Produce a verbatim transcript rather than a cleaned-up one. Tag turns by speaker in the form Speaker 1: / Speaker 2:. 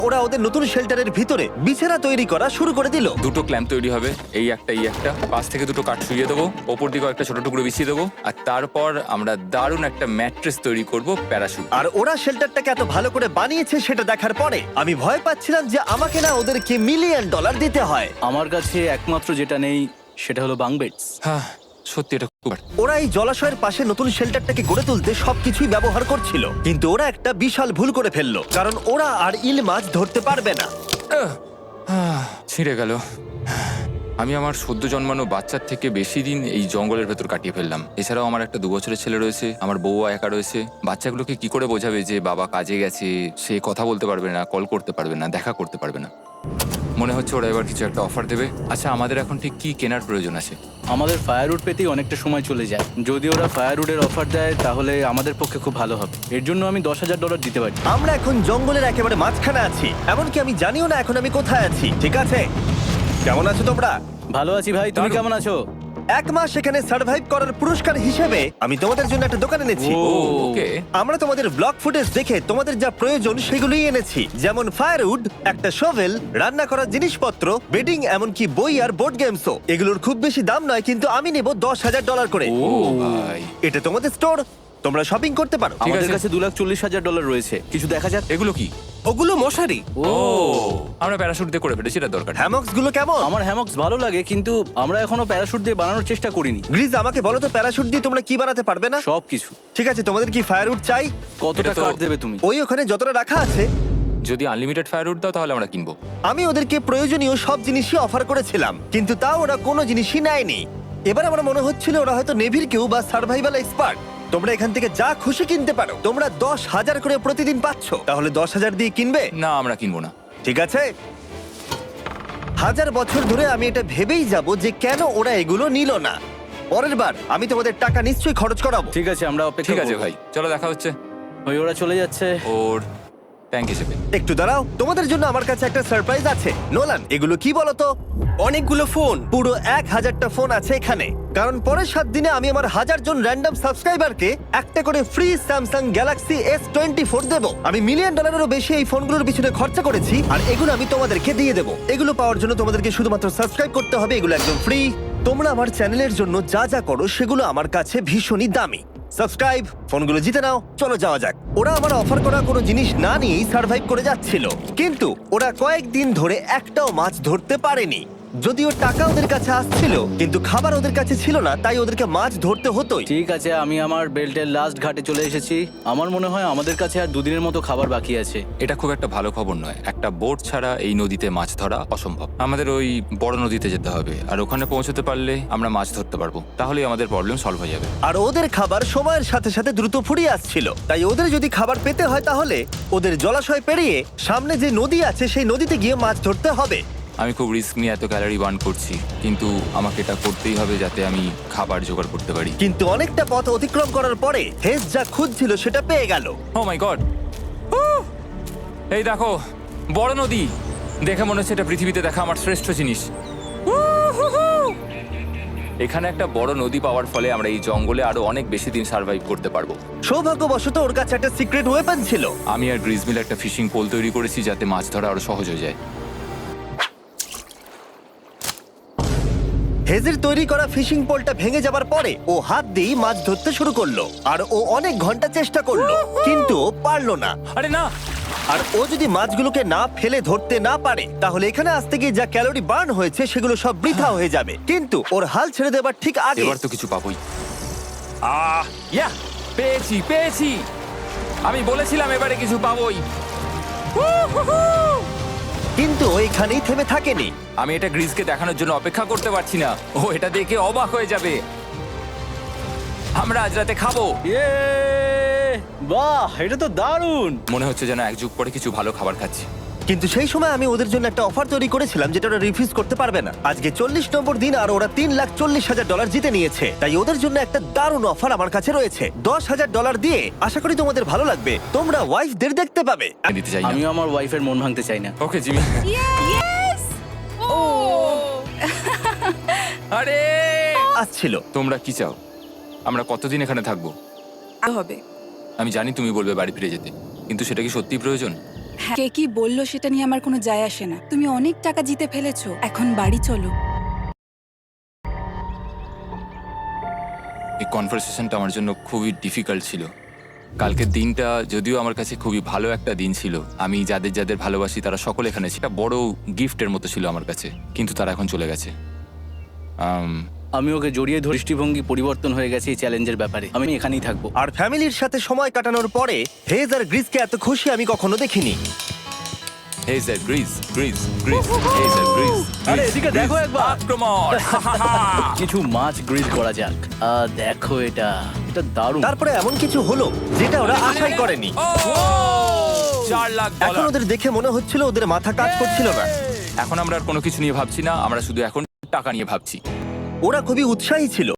Speaker 1: ওরা ওদের নতুন শেল্টারের ভিতরে বিছানা তৈরি করা শুরু করে দিল।
Speaker 2: দুটো ক্ল্যাম্প তৈরি হবে, এই একটা এই একটা, পাশ থেকে দুটো কাঠ শুইয়ে দেবো, ওপর দিকে একটা ছোট টুকরো বিছিয়ে দেবো, আর তারপর আমরা দারুণ একটা ম্যাট্রেস তৈরি করব প্যারাশুট।
Speaker 1: আর ওরা শেল্টারটাকে এত ভালো করে বানিয়েছে সেটা দেখার পরে আমি ভয় পাচ্ছিলাম যে আমাকে না ওদেরকে মিলিয়ন ডলার দিতে হয়।
Speaker 3: আমার কাছে একমাত্র যেটা নেই সেটা হলো বাঙ্ক বেডস।
Speaker 2: হ্যাঁ সত্যি এটা খুব
Speaker 1: ওরা এই জলাশয়ের পাশে নতুন শেল্টারটাকে গড়ে তুলতে সবকিছুই ব্যবহার করছিল, কিন্তু ওরা একটা বিশাল ভুল করে ফেললো, কারণ ওরা আর ইল মাছ ধরতে পারবে না।
Speaker 2: আহ, আহ, ছিঁড়ে গেল। আমি আমার সদ্য জন্মানো বাচ্চার থেকে বেশি দিন এই জঙ্গলের ভেতর কাটিয়ে ফেললাম। এছাড়াও আমার একটা দু বছরের ছেলে রয়েছে, আমার বউ একা রয়েছে। বাচ্চাগুলোকে কি করে বোঝাবে যে বাবা কাজে গেছে, সে কথা বলতে পারবে না, কল করতে পারবে না, দেখা করতে পারবে না। মনে হচ্ছে ওরা এবার কিছু একটা অফার দেবে। আচ্ছা আমাদের এখন ঠিক কি কেনার প্রয়োজন আছে?
Speaker 3: আমাদের ফায়ারউড পেতেই অনেকটা সময় চলে যায়। যদি ওরা ফায়ারউডের অফার দেয় তাহলে আমাদের পক্ষে খুব ভালো হবে। এর জন্য আমি দশ হাজার ডলার দিতে পারি।
Speaker 1: আমরা এখন জঙ্গলের একেবারে মাঝখানে আছি, এমনকি আমি জানিও না এখন আমি কোথায় আছি। ঠিক আছে, কেমন আছো তোমরা?
Speaker 3: ভালো আছি ভাই, তুমি
Speaker 2: দারুণ।
Speaker 3: কেমন আছো?
Speaker 1: এক মাস এখানে সার্ভাইভ করার পুরস্কার হিসেবে আমি তোমাদের জন্য একটা দোকান এনেছি।
Speaker 2: ও ওকে।
Speaker 1: আমরা তোমাদের ব্লগ ফুটেজ দেখে তোমাদের যা প্রয়োজন সেগুলোই এনেছি, যেমন ফায়ারউড, একটা শোভেল, রান্না করার জিনিসপত্র, বেডিং, এমনকি বই আর বোর্ড গেমসও। এগুলোর খুব বেশি দাম নয়, কিন্তু আমি নেব দশ হাজার ডলার করে।
Speaker 2: ও ভাই,
Speaker 1: এটা তোমাদের স্টোর, তোমরা শপিং করতে পারো।
Speaker 2: ঠিক
Speaker 3: আমাদের
Speaker 2: আছে।
Speaker 3: কাছে দু লাখ চল্লিশ হাজার ডলার রয়েছে, কিছু দেখা যাক।
Speaker 2: এগুলো কি?
Speaker 1: ওগুলো মশারি।
Speaker 3: ও
Speaker 2: ও আমরা প্যারাশুট দিয়ে করে ফেলেছি, এটা দরকার নেই।
Speaker 1: হ্যামক্স গুলো কেমন?
Speaker 3: আমার হ্যামক্স ভালো লাগে, কিন্তু আমরা এখনো প্যারাশুট দিয়ে বানানোর চেষ্টা করিনি।
Speaker 1: গ্রিজ, আমাকে বলো তো, প্যারাশুট দিয়ে তোমরা কি বানাতে পারবে না?
Speaker 3: সব কিছু।
Speaker 1: ঠিক আছে, তোমাদের কি ফায়ারউড চাই?
Speaker 3: কতটা
Speaker 2: এটা তো-
Speaker 3: কাঠ দেবে তুমি?
Speaker 1: ওই ওখানে যতটা রাখা আছে।
Speaker 2: যদি আনলিমিটেড ফায়ারউড দাও তাহলে আমরা কিনবো।
Speaker 1: আমি ওদেরকে প্রয়োজনীয় সব জিনিসই অফার করেছিলাম, কিন্তু তাও ওরা কোনো জিনিসই নেয়নি। এবার আমার মনে হচ্ছিল ওরা হয়তো নেভির কেউ বা সার্ভাইভাল এক্সপার্ট। তোমরা এখান থেকে যা খুশি কিনতে পারো। তোমরা দশ হাজার করে প্রতিদিন পাচ্ছ, তাহলে দশ হাজার দিয়ে কিনবে?
Speaker 2: না আমরা কিনবো না।
Speaker 1: ঠিক আছে, হাজার বছর ধরে আমি এটা ভেবেই যাব যে কেন ওরা এগুলো নিল না। পরের বার আমি তোমাদের টাকা নিশ্চয়ই খরচ করাবো।
Speaker 3: ঠিক আছে, আমরা অপেক্ষা
Speaker 2: ঠিক আছে
Speaker 3: করব।
Speaker 2: ভাই, চলো দেখা হচ্ছে।
Speaker 3: ওই ওরা চলে যাচ্ছে।
Speaker 2: ওর ট্যাঙ্ক হিসেবে।
Speaker 1: একটু দাঁড়াও, তোমাদের জন্য আমার কাছে একটা সারপ্রাইজ আছে। নোলান, এগুলো কি বলো তো? অনেকগুলো ফোন, পুরো এক হাজারটা ফোন আছে এখানে, কারণ পরের সাত দিনে আমি আমার হাজার জন র্যান্ডম সাবস্ক্রাইবারকে একটা করে free Samsung Galaxy S twenty four দেবো। আমি মিলিয়ন ডলারেরও বেশি এই ফোনগুলোর পিছনে খরচা করেছি, আর এগুলো আমি তোমাদেরকে দিয়ে দেবো। এগুলো পাওয়ার জন্য তোমাদেরকে শুধুমাত্র সাবস্ক্রাইব করতে হবে, এগুলো একদম ফ্রি। তোমরা আমার চ্যানেলের জন্য যা যা করো সেগুলো আমার কাছে ভীষণই দামি। সাবস্ক্রাইব, ফোনগুলো জিতে নাও। চলো যাওয়া যাক। ওরা আমার অফার করা কোনো জিনিস না নিয়েই সার্ভাইভ করে যাচ্ছিল, কিন্তু ওরা কয়েকদিন ধরে একটাও মাছ ধরতে পারেনি। যদিও টাকা ওদের কাছে আসছিল, কিন্তু খাবার ওদের কাছে ছিল না, তাই ওদেরকে মাছ ধরতে হতোই।
Speaker 3: ঠিক আছে, আমি আমার বেল্টের লাস্ট ঘাটে চলে এসেছি। আমার মনে হয় আমাদের কাছে আর দুদিনের মতো খাবার বাকি আছে।
Speaker 2: এটা খুব একটা ভালো খবর নয়। একটা বোট ছাড়া এই নদীতে মাছ ধরা অসম্ভব। আমাদের ওই বড় নদীতে যেতে হবে, আর ওখানে পৌঁছতে পারলে আমরা মাছ ধরতে পারবো। তাহলেই আমাদের প্রবলেম সলভ হয়ে যাবে।
Speaker 1: আর ওদের খাবার সময়ের সাথে সাথে দ্রুত ফুরিয়ে আসছিল, তাই ওদের যদি খাবার পেতে হয় তাহলে ওদের জলাশয় পেরিয়ে সামনে যে নদী আছে সেই নদীতে গিয়ে মাছ ধরতে হবে।
Speaker 2: আমি খুব রিস্ক নিয়ে এত ক্যালোরি বার্ন করছি, কিন্তু আমাকে এটা করতেই হবে যাতে আমি খাবার জোগাড় করতে পারি।
Speaker 1: কিন্তু অনেকটা পথ অতিক্রম করার পরে হেস যা খুঁজছিল সেটা পেয়ে গেল।
Speaker 2: ও মাই গড, এই দেখো বড় নদী। দেখে মনে হচ্ছে এটা পৃথিবীতে দেখা আমার শ্রেষ্ঠ জিনিস। এখানে একটা বড় নদী পাওয়ার ফলে আমরা এই জঙ্গলে আরো অনেক বেশি দিন সার্ভাইভ করতে পারবো।
Speaker 1: সৌভাগ্যবশত ওর কাছে একটা সিক্রেট ওয়েপন ছিল।
Speaker 2: আমি আর গ্রিজমিল একটা ফিশিং পোল তৈরি করেছি যাতে মাছ ধরা আরো সহজ হয়ে যায়।
Speaker 1: হেজের তৈরি করা ফিশিং পোলটা ভেঙে যাবার পরে ও হাত দিয়ে মাছ ধরতে শুরু করলো, আর ও অনেক ঘন্টা চেষ্টা করলো, কিন্তু ও পারলো না।
Speaker 2: আরে না,
Speaker 1: আর ও যদি মাছগুলোকে না ফেলে ধরতে না পারে তাহলে এখানে আসতে গিয়ে যা ক্যালোরি বার্ন হয়েছে সেগুলো সব বৃথা হয়ে যাবে। কিন্তু ওর হাল ছেড়ে দেবার ঠিক আগে
Speaker 2: এবার তো কিছু পাবোই। আহ ইয়া, পেয়েছি পেয়েছি। আমি বলেছিলাম এবারে কিছু পাবোই।
Speaker 1: কিন্তু ও এখানেই থেমে থাকেনি।
Speaker 2: আমি এটা গ্রিজকে দেখানোর জন্য অপেক্ষা করতে পারছি না। ও এটা দেখে অবাক হয়ে যাবে। আমরা আজ রাতে খাবো।
Speaker 3: ইয়ে, বাহ, এটা তো দারুণ।
Speaker 2: মনে হচ্ছে যেন এক যুগ পরে কিছু ভালো খাবার খাচ্ছি।
Speaker 1: কিন্তু সেই সময় আমি ওদের জন্য একটা অফার তৈরি করেছিলাম যেটা ওরা রিফিউজ করতে পারবে না। আজকে চল্লিশ নম্বর দিন আর ওরা তিন লাখ চল্লিশ হাজার ডলার জিতে নিয়েছে, তাই ওদের জন্য একটা দারুণ অফার আমার কাছে রয়েছে। দশ হাজার ডলার দিয়ে আশা করি তোমাদের ভালো লাগবে, তোমরা ওয়াইফদের দেখতে পাবে।
Speaker 2: আমি দিতে চাই না।
Speaker 3: আমিও আমার ওয়াইফের মন ভাঙতে চাই না।
Speaker 2: Okay Jimmy.
Speaker 4: Yes! Oh!
Speaker 2: আরে
Speaker 1: আসছিল।
Speaker 2: তোমরা কি চাও? আমরা কতদিন এখানে থাকবো?
Speaker 4: হবে।
Speaker 2: আমি জানি তুমি বলবে বাড়ি ফিরে যেতে, কিন্তু সেটা কি সত্যি প্রয়োজন?
Speaker 4: হ্যাঁ, কে কি বললো সেটা নিয়ে আমার কোনো যায় আসে না। তুমি অনেক টাকা জিতে ফেলেছো, এখন বাড়ি চলো।
Speaker 2: এই কনভারসেশনটা আমার জন্য খুবই ডিফিকাল্ট ছিল। কালকের দিনটা যদিও আমার কাছে খুবই ভালো একটা দিন ছিল, আমি যাদের যাদের ভালোবাসি তারা সকলে এখানে ছিল, একটা বড় গিফটের মতো ছিল আমার কাছে, কিন্তু তারা এখন চলে গেছে। আম,
Speaker 3: আমি ওকে জড়িয়ে ধরে দৃষ্টিভঙ্গি পরিবর্তন হয়ে গেছে এই চ্যালেঞ্জের ব্যাপারে। আমি এখানেই থাকবো।
Speaker 1: আর ফ্যামিলির সাথে সময় কাটানোর পরে হেজ আর গ্রিসকে এত খুশি আমি কখনো দেখিনি।
Speaker 2: হেই স্যার, গ্রিস গ্রিস গ্রিস, হেই স্যার, গ্রিস।
Speaker 3: আরে এদিকে দেখো একবার।
Speaker 2: আক্রমণ!
Speaker 3: কিছু মাছ গ্রিল করা যাক। আহ, দেখো এটা এটা দারুণ।
Speaker 1: তারপরে এমন কিছু হলো যেটা ওরা আশাই করেনি।
Speaker 2: ও! চার লাখ
Speaker 1: এখন
Speaker 2: ডলার।
Speaker 1: ওদের দেখে মনে হচ্ছিল ওদের মাথা কাজ করছিল না।
Speaker 2: এখন আমরা আর কোনো কিছু নিয়ে ভাবছি না, আমরা শুধু এখন টাকা নিয়ে ভাবছি।
Speaker 1: ওরা খুবই উৎসাহী ছিল।